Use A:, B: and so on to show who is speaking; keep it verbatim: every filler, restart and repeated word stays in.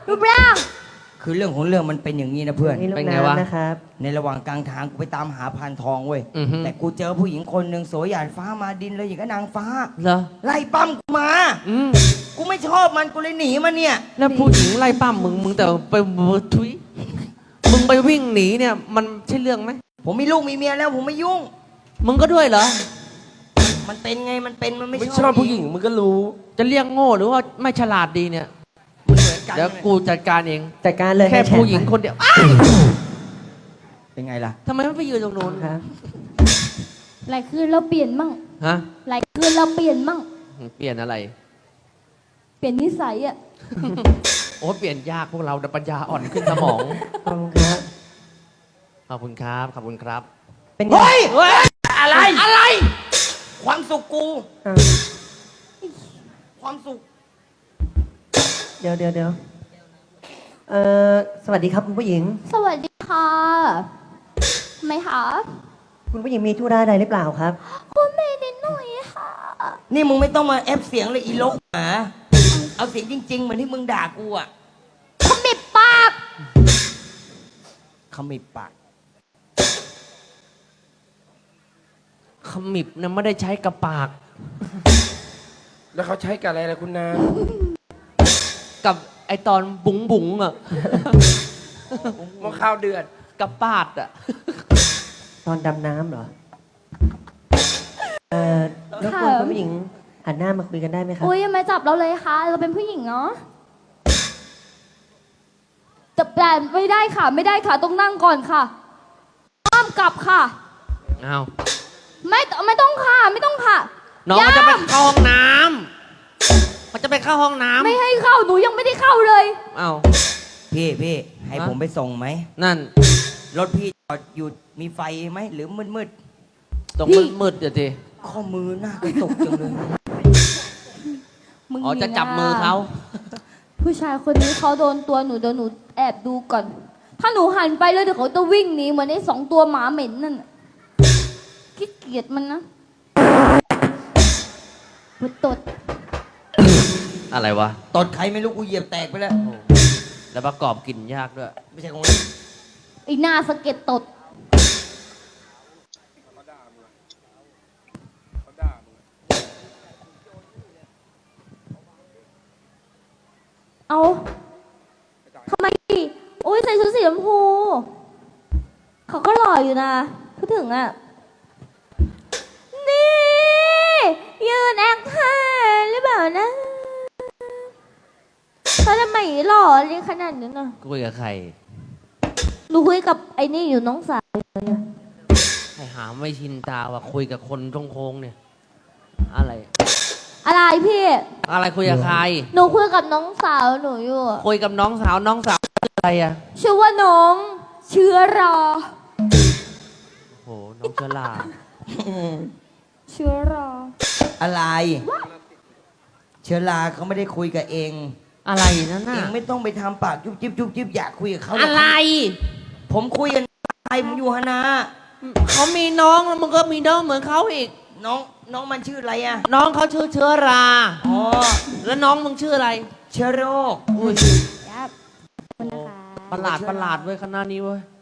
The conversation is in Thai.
A: รูปร่าง
B: คือเรื่องของเรื่องมันเป็นอย่างนี้นะเพื่อน
C: นี่ลู
D: เป็
C: ก
D: นไงวะ
C: น้ำนะครับ
B: ในระหว่างกลางทางกูไปตามหาพานทองเว้ย
D: อือฮึ
B: แต่กูเจอผู้หญิงคนหนึ่งสวยหยาดฟ้ามาดินเลยอย่างกับนางฟ้า
D: เหรอ
B: ไล่ปั้มกูมา
D: อืม
B: กูไม่ชอบมันกูเลยหนีมันเนี่ย
D: แล้วผู้หญิงไล่ปั้มมึงมึงแต่ไปทุยมึงไปวิ่งหนีเนี่ย มันใช่เรื่องไหม
B: ผมมีลูกมีเมียแล้วผมไม่ยุ่ง
D: มึงก็ด้วยเหรอ
B: มันเป็นไงมันเป็นมันไม่
E: ไม่
B: ช
E: ช
B: อ
E: อ
B: บบ
E: ผู้หญิงมึงก็รู้
D: จะเรียกโง่หรือว่าไม่ฉลาดดีเนี่ย
B: มันเหมือนกัน
D: เดี๋ยวกูจัดการเอง
C: จัดการเลย
D: แค่
C: ห้ชร์
D: ผู้หญิง
C: ไป
D: คนเดียว
B: เป็นไงล่ะ
D: ทำไมไม่ไปยืนตรงนู้น
C: ครับ
A: หลายคืนเราเปลี่ยนมั่ง
D: ฮะ
A: หลายคืนเราเปลี่ยนมั่ง
D: เปลี่ยนอะไร
A: เปลี่ยนนิสัยอะ
D: โอ้เปลี่ยนยากพวกเราแต่ปัญญาอ่อนขึ้นสมอง
C: ขอบคุณครับ
D: ขอบคุณครับ ขอบคุณครับ
C: เป็นไง
B: เฮ้ย
D: เฮ้ย อะไร อะไร
B: ความสุขกู
C: อ่ะ
B: ความสุข
C: เดี๋ยวเดี๋ยวเดี๋ยวเอ่อสวัสดีครับคุณผู้หญิง
A: สวัสดีค่ะทำไมคะ
C: คุณผู้หญิงมีธุระอะไรหรือเปล่าครับ
A: คุณเมย์นิดหน่อยค่ะ
B: นี่มึงไม่ต้องมาแอปเสียงเลยอีลกหมาเอาเสียงจริง ๆ เหมือนที่มึงด่ากูอะ
A: ขมิบปาก
B: ขมิบปาก
D: ขมิบเนี่ยไม่ได้ใช้กระปาก
E: แล้วเขาใช้กับอะไรล่ะคุณนาง
D: กับไอตอนบุ๋งบุ๋งๆอ่ะ
E: หม้อข้าวเดือด
D: กับปาดอ่ะ
C: ตอนดำน้ำเหรอ เอ่อรบกวนคุณผู้หญิงหันหน้ามาคุยกันได้ไหมครับ
A: อุ้ยอย่ามาจับเราเลยค่ะ เราเป็นผู้หญิงเนาะแต่แต่ไม่ได้ค่ะ ไม่ได้ค่ะ ต้องนั่งก่อนค่ะห้ามกลับค่ะ
D: เอา
A: ไม่ไม่ต้องค่ะ ไม่ต้องค่ะ
D: น้องมันจะไป
A: ย่า
D: เข้าห้องน้ำมันจะไปเข้าห้องน้ำ
A: ไม่ให้เข้า หนูยังไม่ได้เข้าเลย
D: เอา
B: พี่พี่ให้
D: ฮะ
B: ผมไปส่งไหม
D: นั่น
B: รถพี่จอดอยู่มีไฟไหมหรือมืดมืด
D: ตรง
A: พี่
D: มืดๆเดี๋ยวที
B: ๆข้อมือหน้ากระตุกจังเลย
A: มึง
D: อ๋อจะจับมือเขา
A: ผู้ชายคนนี้เขาโดนตัวหนูเดี๋ยวหนูแอบดูก่อน ถ้าหนูหันไปแล้วเดี๋ยวเขาจะวิ่งหนีเหมือนไอ้สองตัวหมาเหม็นนั่นน่ะขี้เกียจมันนะมันตด
D: อะไรวะ
B: ตดใครไม่รู้กูเหยียบแตกไปแล้ว
D: แล้วประกอบกลิ่นยากด้วย
B: ไม่ใช่ของเล่น
A: ไอ้หน้าสะเก็ดตด เอาทำไมดิโอ้ยใส่ชุดสีชมพู เขาก็หล่ออยู่นะพูดถึงอ่ะ นี่ ยืนแอคท่าหรือเปล่านะเขาทำไมหล่อเลยขนาดนี้นะ
D: คุยกับใคร
A: หนูคุยกับไอ้นี่อยู่น้องสาวอยู่เนี่ย
D: ใครหาไม่ชินตาว่าคุยกับคนตรงโค้งเนี่ย อะไร
A: อะไรพี่
D: อะไรคุยกับใคร
A: หนูคุยกับน้องสาวหนูอยู่อะ
D: คุยกับน้องสาวน้องสาวชื่ออะไรอ่ะ
A: ชื่อว่าน้องเชื้อรา
D: โห น้องเจลา
A: เชื้อรา
B: อะไร เชื้อราเขาไม่ได้คุยกับเอง
D: อะไรนั่น
B: เอ
D: น่ะ
B: งไม่ต้องไปทำปากยุบยิบยุบยิบอยากคุยกับเขาหก
D: อะไร
B: ผมคุยกันไอ้ผมอยู่ฮานา
D: เขามีน้องแล้วมึงก็มีน้องเหมือนเขาอีก
B: น้องน้องมันชื่ออะไรอะ
D: น้องเขาชื่อเชื้อรา
B: อ๋อ
D: แล้วน้องมึงชื่ออะไร
B: เชื้อโรค
D: อุ้ย
A: ครับขอบคุณนะคะ
D: ประหลาดประหลาดเว้ยคณะนี้เว้ย